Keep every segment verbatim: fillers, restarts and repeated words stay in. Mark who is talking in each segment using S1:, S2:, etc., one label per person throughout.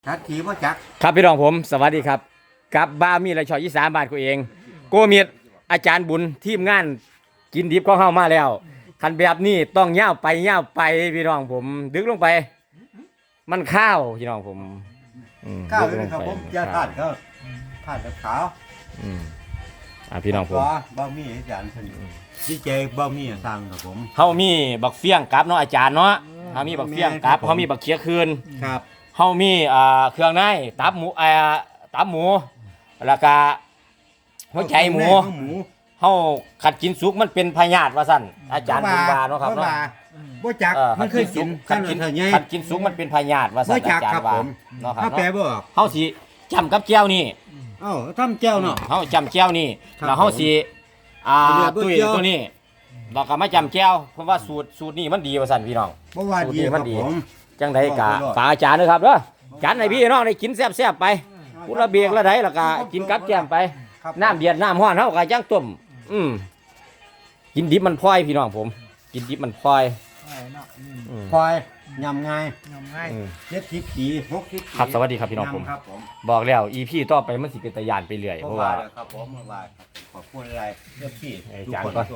S1: ทัดทีว่าจัก
S2: ครับพี่น้องผมสวัสดีครับกับบามีไรชอยยี่สามบาทกูเองโกเมียดอาจารย์บุญทีมงานกินดิบก็เข้ามาแล้วคันแบบนี้ต้องย่าวไปย่าวไปพี่น้องผมดึกลงไป มันข้าวพี่น้องผม
S1: ข้าวเลยครับผมจะทานก็ทานกับขาว
S2: อืมอ่าพี่น้องผม
S1: บะหมี่อาจารย์สนิทดีเจบะหมี่สั่งครับผม
S2: เฮามีบักเฟี้ยงกับเนาะอาจารย์เนาะเฮามีบักเฟี้ยงกับเฮามีบักเคี้ยคืน
S1: ครับ
S2: เฮามีอ่าเครื่องในตับหมูอ่าตับหมูแล้วก็หัวใจหมูเฮาขัดกินสุกมันเป็นพยาธิว่าซั่นอาจารย์บุญบาเนาะครับเนาะ
S1: บ่จักมันเคยกิน
S2: ขัดกินขัดกินสุกมันเป็นพยาธิว่าซั่นอาจารย์ว่า
S1: เนาะครับเนาะแปลบ่
S2: เฮาสิจำกับแก้วนี่
S1: เอ้าทำแก้วเนาะ
S2: เฮาจำแก้วนี่แล้วเฮาสิอ่าตุ้ยตัวนี้เราก็มาจำแก้วเพราะว่าสูตรสูตรนี้มันดีว่าซั่นพี่น้อง
S1: บ่ว่าดีมันดี
S2: จังไดกะฝากอาจารย์ด้วยครับเด้อจัดให้พี่น้องได้กินแซ่บๆไปพุระเบียกละไดแล้วก็กินกับแก้มไปน้ำเดือดน้ำร้อนเฮาก็จังต้มอืมกินดิบมันพลอยพี่น้องผมกินดิบมันพลอย
S1: พลอยยำง่าย
S3: ยำง่าย
S1: เจ็ดสิบปีหกสิบปี
S2: ครับสวัสดีครับพี่น้องผมบอกแล้ว อี พี ต่อไปมันสิเป็นตะยานไปเรื่อยเพราะว่า
S1: ครับผมเมื่อวานขอบคุณอะไรเรื่องพี่
S2: ทุกคนก็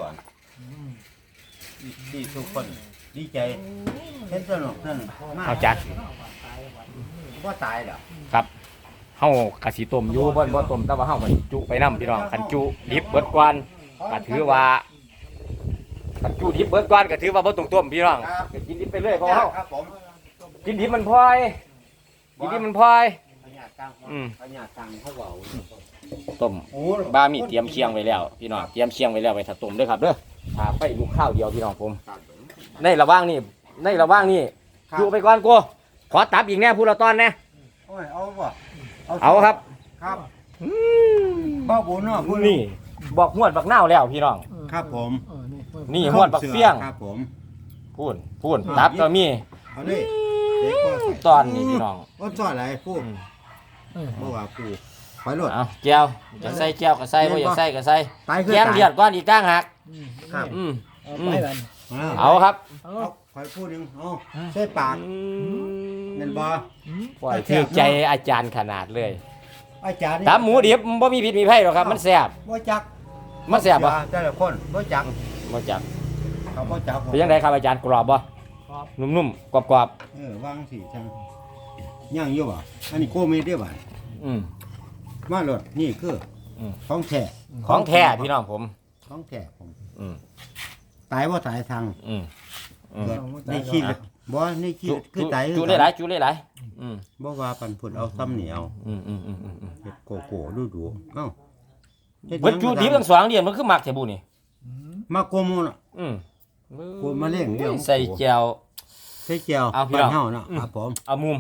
S1: ที่ทุกคนดีใจเห็นสนุกสนุกมาก
S2: เอาจัด
S1: ว่าตายเหรอ
S2: ครับเฮากะสิต้มอยู่บ่บ่ต้มแต่ว่าเฮาก็จุไปนำพี่น้องคันจุดิบเบิดกวนก็ถือว่าคันจุดิบเบิดกวนก็ถือว่าบ่ต้องต้มพี่น้องก็กินดิบไปเรื่อยเพราะเฮากินดิบมันพลอยกินดิบมันพลอยอืมต้มบามีเตรียมเคียงไว้แล้วพี่น้องเตรียมเคียงไว้แล้วไว้ถ้าต้มเด้อครับเด้อถ้าไฟลุกข้าวเดียวพี่น้องผมในระหว่างนี้ในระหว่างนี้อยู่ไปก่อนกูขอตับอีกแน่พูดละตอนแน่
S1: เอาบ่
S2: เอาครับ
S1: ครับบ้าบุญเนาะพูด
S2: นี่บอกหวดบักเน่าแล้วพี่น้อง
S1: ครับผม
S2: นี่หวดบักเฟี้ยง
S1: ครับผม
S2: พูดพูดตับก็มีตอนนี้พี่น้อง
S1: ว่าตอนอะไรพูดเมื่อวานพูดไปโหลด
S2: เอาแก้วจะใส่แก้วก็ใส่บ่อยากใส่ก็ใส่แก้มเดือดก้อนอีกตั้งหัก
S1: ครับ
S2: อืม
S1: เอา
S2: ครับ
S1: คอยพูดนึงเอาใส่ปากเงินบ่
S2: ปล่อยถือใจอาจารย์ขนาดเลย
S1: อาจารย์
S2: ตามหมูดิบบ่มีผิดมีไผ่หรอกครับมันแซ่บ
S1: บ่จัก
S2: มันแซ่บบ่
S1: แต่ละคนบ่จัก
S2: บ่จัก
S1: เขาบ่จัก
S2: เป็นยังไงครับอาจารย์กรอบบ่นุ่มๆกรอบ
S1: ๆเออวางสิจังย่างอยู่บ่อันนี้โกเมเด้บ่
S2: อืม
S1: มาโหลดนี่คือของแท้
S2: ของแท้พี่น้องผม
S1: ของแท้ผม
S2: อืม
S1: ตายบ่ตายทาง
S2: อืม
S1: นี่ขี้บ่นี่ขี้คือตาย
S2: จุได้หลายจุได้หลายอืม
S1: บ่ว่าปันพุ่นเอาซ้ำเหนียว
S2: อืมอืมอืมอืม
S1: เฮ็ดโกโก้ดูๆเอ้า
S2: เบิดจุดิบทั้งสองเดือนมันคือมักแท้บุนี่
S1: มักโกโมน่ะ
S2: อืม
S1: โกมาเลี้ยงเดี๋ยว
S2: ใส่แจ่ว
S1: ใส่แจ่ว
S2: เอาพี่น้อง
S1: เฮาเนาะครับผม
S2: เอามุม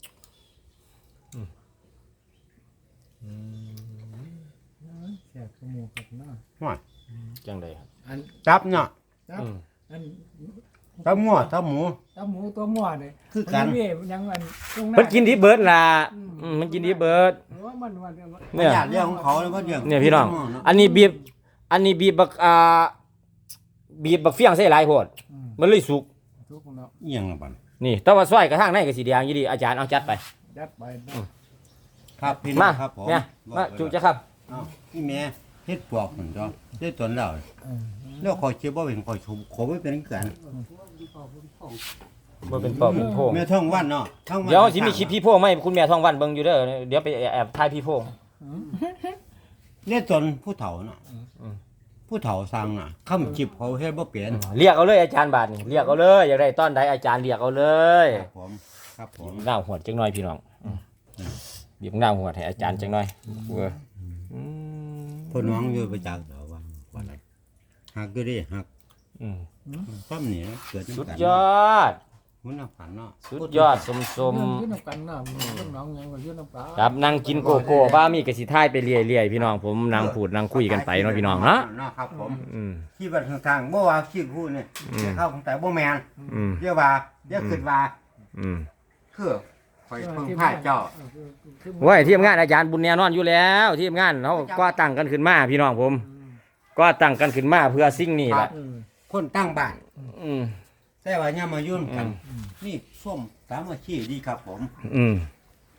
S3: แซ่บขมูกับเนาะ
S1: ว่า
S2: จังได๋ครับ
S3: อัน
S1: จับเนาะ
S3: จับอัน
S1: ตับงัวตับหมู
S3: ตับหมูตัวงัวนี่
S1: คือกัน
S3: ยังอัน
S2: มันกินดิเบิดล่ะอืมมันกินดิเบิด
S3: มันมัน
S1: เนี่ยเรื่องของเขาแล้วก็เรื่อง
S2: เนี่ยพี่น้องอันนี้บีบอันนี้บีบบักอ่าบีบบักเฟี้ยงใส่หลายโพดมันเลยสุก
S3: สุกเนาะ
S1: อีหยังล่ะบัด
S2: นี่แต่ว่าซอยกระทั่งในก็สีแดงอยู่ดีอาจารย์เอาจัดไป
S3: จัดไป
S1: ครับพี่น้องครับผม
S2: เนี่ยมาจุจะครับ
S1: อ้าวพี่แม่เฮ็ดปอกเหมือนจ้ะได้ตนแล้วแล้วขอเชื่อบ่เป็นขอชมขอบ่เป็นกัน
S2: บ่เป็นปอบเป็นโพง
S1: แม่ท่องวันเนาะท่องวัน
S2: เดี๋ยวสิมีคลิปพี่โพงมั้ยคุณแม่ท่องวันเบิ่งอยู่เด้อเดี๋ยวไปแอบถ่ายพี่โพง
S1: เนี่ยตนผู้เฒ่าเนาะผู้เฒ่าสั่งน่ะคำจิบเขาเฮ็ดบ่เป็น
S2: เรียกเอาเลยอาจารย์บาดนี่เรียกเอาเลยอยากได้ตอนใดอาจารย์เรียกเอาเลย
S1: ครับผมครับผม
S2: หน้าหัวจังหน่อยพี่น้องบีบหน้าหัวให้อาจารย์จังหน่อยเออ
S1: อืมพ่อน้องอยู่ประจักษ์ว่าว่าอะไรหักก็ได้หัก
S2: อืม
S1: ซ้ำนี่เกิด
S2: สุดยอด
S1: มันน่าฝันเนาะ
S2: สุดยอดสมๆ
S3: ยืนน้ำกันเนาะน้องยังก็ยืนน้ำปลา
S2: ครับนั่งกินโกโก้บ้ามีกระสิท้ายไปเรื่อยๆพี่น้องผมนั่งพูดนั่งคุยกันไปเนาะพี่น้องเนาะ
S1: ครับผม
S2: อืม
S1: ที่บัดทางบ่ว่าขี้พูดเนี่ยเข้าของแต่บ่แม่น
S2: อืม
S1: เรียกว่าเรียกคิดว่า
S2: อืม
S1: คือคอยเพิ่งพาเจ้า
S2: โอ้ยทีมงานอาจารย์บุญแน่นอนอยู่แล้วทีมงานเฮาก็ตั้งกันขึ้นมาพี่น้องผมก็ตั้งกันขึ้นมาเพื่อสิ่งนี้แหละ
S1: คนตั้งบ้าน
S2: อืม
S1: แต่ว่าย่ามายุ่นกันนี่ส้มสามัคคีดีครับผม
S2: อืม
S1: ไป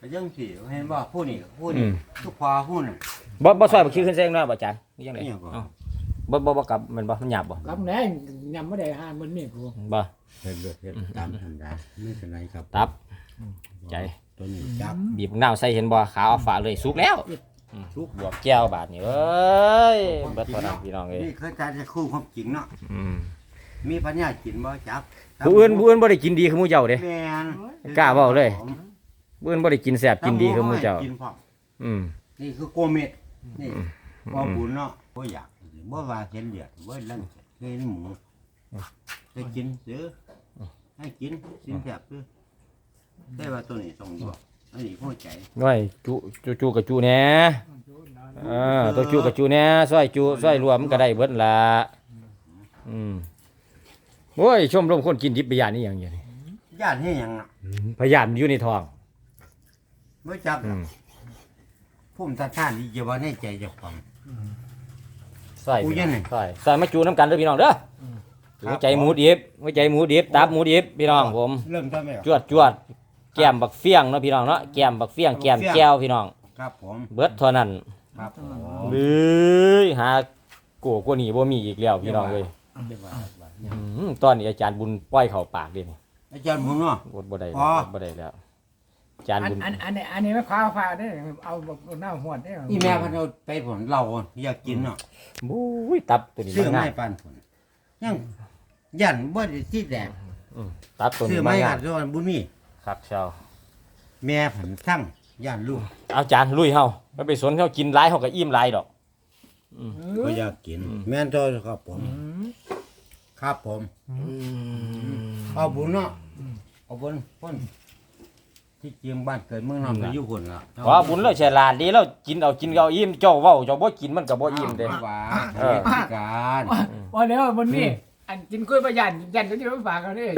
S1: ยังสิเห็นบ่ผู้นี่ผู้
S2: อื
S1: นี่
S2: ม
S1: ทุกพอผู้นี่
S2: บ่บ่ซอยบ่คิดขึ้นเส้นเนาะบ่อาจารย์นี่จังได๋
S1: อิหยังก่อน
S2: เอ้าบ่บ่บ่กลับมันบ่มันหยาบบ่
S3: กำแหน่งยำไม่ได้หามันนี่กู
S2: บ่
S1: เฮ็ดเลือดเฮ็ดตามธรรมดาไม่เป็นไรครับ
S2: ตับ ใจ
S1: ตัวนี้จับ
S2: บีบน้ำใส่เห็นบ่ขาวเอาฝาเลยสุกแล้ว
S1: ทุก
S2: บวกแก้วบาดนี่เอ้ยเบิดเท่านั้นพี่น้องเอ้ย
S1: นี่คือการจะคู่ความจริงเนาะ
S2: อืม
S1: มีปัญญากินบ่จับ
S2: ผู้อื่นผู้อื่นบ่ได้กินดีคือหมู่เจ้าเด้
S1: แม่น
S2: กล้าเว้าเลย ผู้อื่นบ่ได้กินแซ่บกินดีคือหมู่เจ้า
S1: กินพร้อม
S2: อืม
S1: นี่คือโกเม็ดนี่บ่บุญเนาะบ่อยากบ่ว่าเห็นเลือดบ่ลังเห็นหมูจะกินซื้อให้กินกินแซ่บซื้อได้ว่าตัวนี้ส่งอยู่อันนี้หัวใจ
S2: น้อยจุจุจุกับจุแหน่เออตัวจุกับจุแหน่ซอยจุซอยรวมก็ได้เบิดล่ะอืมโอ้ยชมรมคนกินดิบไปย่านนี่หยังอยู่นี่
S1: ญาติให้หยังน่ะ
S2: พยายามอยู่ในท้อง
S1: บ่จับ
S2: อืม
S1: ภูมิต้านทานนี่จะว่าในใจเจ้าของ
S2: ซอย
S1: กูยังไง
S2: ซอยซอยมาจูน้ำกันเด้อพี่น้องเด้อหัวใจหมูดิบหัวใจหมูดิบตับหมูดิบพี่น้องผม
S1: เริ่มต้นไหม
S2: จวดจวดแก้มบักเฟี้ยงเนาะพี่น้องเนาะแก้มบักเฟี้ยงแก้มแก้วพี่น้อง
S1: ครับผม
S2: เบิดเท่านั้น
S1: ครับผม
S2: เบ้ยหาโกกว่านี้บ่มีอีกแล้วพี่น้องเอ้ยอืมตอนนี้อาจารย์บุญปล่อยเข้าปากเด้นี่
S1: อาจารย์ผมเนาะ
S2: อดบ่ได้
S1: อ๋
S2: แล้ว
S1: อ
S2: อดบ่ได้แล้วอาจารย์
S3: อัน
S2: บุญ
S3: อันอันนี้อันนี้ไม่ข้าวฟ้าได้เอาแบบหน้าหัวได้
S1: อีแม่พันเอาไปผลเราอยากกินเนาะ
S2: บุ้ยตับตัวนี้
S1: ซื้อ
S2: มัน
S1: ไม้
S2: ง่าย
S1: ปันผลยังยันบ่ได้ที่แดง
S2: อืมตับตัว
S1: ซื้อ
S2: นี้
S1: ไม้
S2: มัน
S1: กั
S2: ง่า
S1: ด
S2: ย
S1: ส่วนบุญมี
S2: ครับเช้า
S1: แม่ผันทั้งยันลูก
S2: เอาจารย์ลุยเฮาไปไปสวนเขากินหลายเฮาก็อิ่มหลายดอก
S1: ก็อยากกิน แม่นตัวครับผม ครับผมเอาบุญเนาะเอาบุญพ้นที่เจียงบ้านเกิดเมืองนอนก็อยู่คนละ
S2: เพราะบุญเราฉลาดดีเรากินเอากินเอาอิ่มเจ้าเว้าเจ้าบ่กินมันก็บ่อิ่มเด้
S1: หวา
S2: เออ
S1: พิการ
S3: ว่าแล้วมันนี่อันกินกล้วยประยันยันก็จะไม่ฝากกันนี่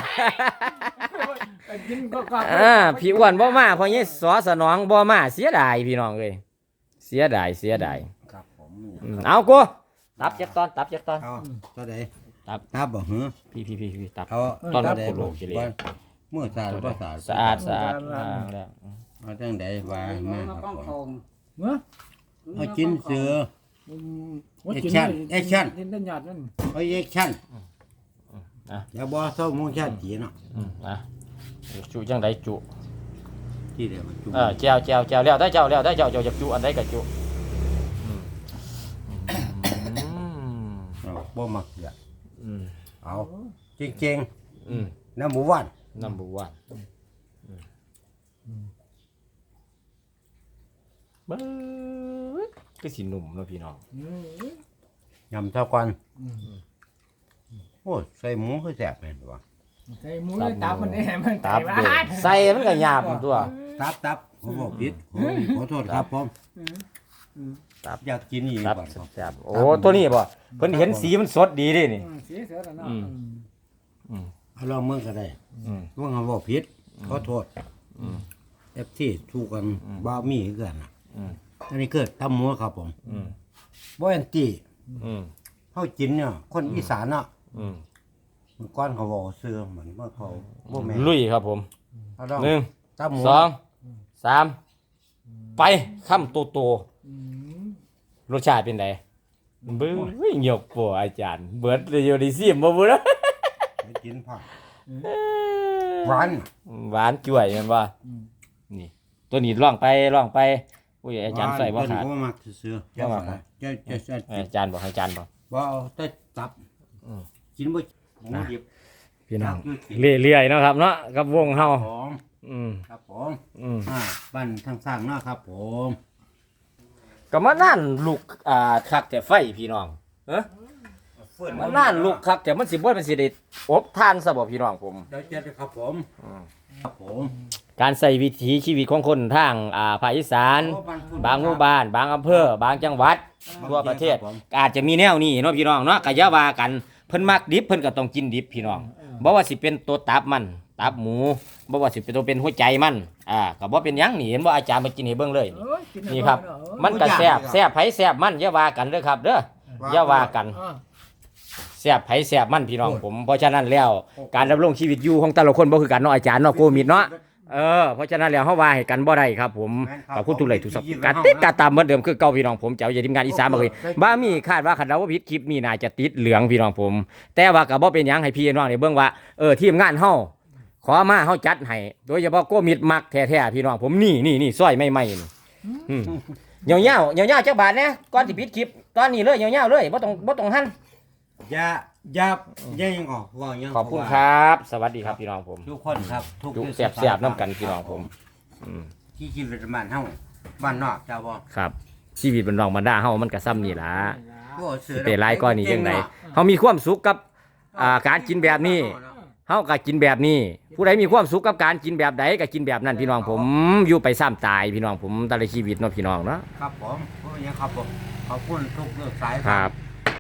S3: กินก็ก็
S2: อ่าพี่อ้วนบ่มาเพราะงี้สอสนองบ่มาเสียดายพี่น้องเอ้ยเสียดายเสียดาย
S1: ครับผม
S2: อืมเอากูตับเจ็ดตอนตับเจ็ดตอน
S1: เอาเท่าใด
S2: ตับ
S1: ตับบ่หือ
S2: พี่พี่พี่พี่ตับ
S1: เขา
S2: ตอน
S1: เท่าใด
S2: โคโลกิเลส
S1: ว่าเมื่อสะอาดบ่สะอาด
S2: สะอาดสะอาดอ่าแล้ว
S1: เอาจังใดว่ามาครับผม
S3: เนาะ
S1: เอาจิ้นเสือ
S3: ดินต้นหยอดนั่น
S1: เอาแอคชั่น
S2: อ่ะ
S1: อย่าบ่เศร้ามุงชาติเนาะ
S2: อืมอ่ะจุจังไดจุ
S1: ที่เดียวมันจุ
S2: เออแจวแจวแจวแล้วได้เจ้าแล้วได้เจ้าเจ้าอยากจุอันใดก็จุอืมอืม
S1: เอาบ่มักเสีย
S2: อืม
S1: เอาจริง
S2: อืม
S1: ๆน้ำหมูหวาน
S2: number one เบ้อคือสิหนุ่มเนาะพี่น้อง
S1: ยำเท่ากันโอ้ยใส่หมูคือแซ่บแม่นบ่
S3: ใส่หมูตับมันนี่มัน
S2: ตับเด้อใส่มันก็หยาบตัว
S1: ตับตับผมบอกผิดโอ้ยขอโทษครับผม
S2: ตับ
S1: อยากกินอีก
S2: ตับ
S1: บ่ครับ
S2: แซ่บโอ้ตัวนี้บ่เพิ่นเห็นสีมันสดดีเดินี่
S3: สีเสือแล้วเนาะ
S1: เอาลองมือก็ได้
S2: อืม
S1: ว่าเขาบอกผิดขอโทษ
S2: อืม
S1: เอฟซีถูกกันบ่มีคือกันน่ะ
S2: อืม
S1: อันนี้เกิดตำหมูครับผม
S2: อืม
S1: บ่แอนตี้
S2: อืม
S1: เฮากินเนี่ยคนอีสานเนาะ
S2: อืม
S1: เมื่อก่อนเขาบอกซื้อเหมือนว่าเขาบ่แม่น
S2: ลุยครับผม
S1: เอาลอง
S2: หนึ่ง
S1: ตำหมู
S2: สองสามไปคำโตโตรสชาติเป็นไงเบิ้งหยกปัวอาจารย์ เบิดเลยอยู่ในซิมบ่เบ่ล่ะ
S1: ไปกินผักหวาน
S2: หวานจ่วยแม่นบ่นี่ ตัวนี้ลองไปลองไปอุ้ยอาจารย์ใส่บ่ขาด
S1: เพิ่นก็มักซื้อๆ
S2: บ่มัก
S1: จะจะจะ
S2: เอออาจารย์บอกให้อาจารย์บอก
S1: บ่เอาแต่ตับ
S2: อืม
S1: กินบ่หมูดิบ
S2: พี่น้องเรื่อยๆเนาะครับเนาะกับวงเฮา
S1: ผม
S2: อืม
S1: ครับผม
S2: อืม
S1: อ่าบ้านทางสร้างเนาะครับผม
S2: ก็มานั่นลูกอ่าคักแต่ไฟพี่น้องเอ้อมานั่นลูกคักแต่มันสิบ่เป็นสิได้อบทานซะบ่พี่น้องผม
S1: เดี๋ยวเจอกันครับผม
S2: อืม
S1: ครับผม
S2: การใส่วิถีชีวิตของคนทางอ่าภาคอีสาน
S1: โอ้พุ่
S2: บางหมู่บ้าน บางอำเภอบางจังหวัด ทั่วประเทศ
S1: ครับผม
S2: อาจจะมีแนวนี้เนาะพี่น้องเนาะก็อย่าว่ากันเพิ่นมักดิบเพิ่นก็ต้องกินดิบพี่น้องบ่ว่าสิเป็นตัวตับมันตับหมูบ่ว่าสิเป็นตัวเป็นหัวใจมันอ่าก็บ่เป็นหยังนี่เห็นบ่อาจารย์มากินให้เบิ่งเลยนี่นี่ครับ มันก็แซ่บแซ่บไผแซ่บมันอย่าว่ากันเด้อครับเด้ออย่าว่ากันแซ่บไผแซ่บมันพี่น้องผมเพราะฉะนั้นแล้วการดำรงชีวิตอยู่ของแต่ละคนบ่คือกันเนาะอาจารย์เนาะโควิดเนาะเออเพราะฉะนั้นแล้วเฮาว่าให้กันบ่ได้ครับผม
S1: แม่นครับ
S2: ขอบคุณทุกไลค์ทุกซับ
S1: ผม
S2: การติดการตามเหมือนเดิมคือเก่าพี่น้องผมเจ้าอย่าทีมงานอีสานมาเลยบ้ามีคาดว่าคันเราว่าผิดคลิปนี้น่าจะติดเหลืองพี่น้องผม แต่ว่าก็บ่เป็นหยังให้พี่น้องได้เบิ่งว่าเออทีมงานเฮาขอมาเฮาจัดให้โดยเฉพาะโกมิดมักแท้ๆพี่น้องผมนี่นี่นี่ซอยใหม่ๆนี่อืมยาวๆยาวๆจักบาทนะก่อนสิปิดคลิปตอนนี้เลยยาวๆเลยบ่ต้องบ่ต้องหั่น
S1: อย่าอย่าอย่ายังออกว่ายัง
S2: ขอบคุณครับ สวัสดีครับพี่น้องผม
S1: ทุกคนครับทุก
S2: จุแซ่บๆน้ำกันพี่น้องผมอืม
S1: ที่ชีวิตบ้านเฮาบ้านนอกเจ้าบ่
S2: ครับชีวิตมันรองบรรดาเฮามันก็ซ้ำนี่ล่ะ
S1: โอ้เสือ
S2: สิไปหลายกว่านี้จังไดเฮามีความสุขกับอ่าการกินแบบนี้เฮาก็กินแบบนี้ ผู้ใดมีความสุขกับการกินแบบใดก็กินแบบนั้นพี่น้องผมอยู่ไปซ้ำตายพี่น้องผมแต่ละชีวิตเนาะพี่น้องเนาะ
S1: ครับผมเพราะอย่างครับผมขอบคุณทุกเรื่องสาย
S2: ครับ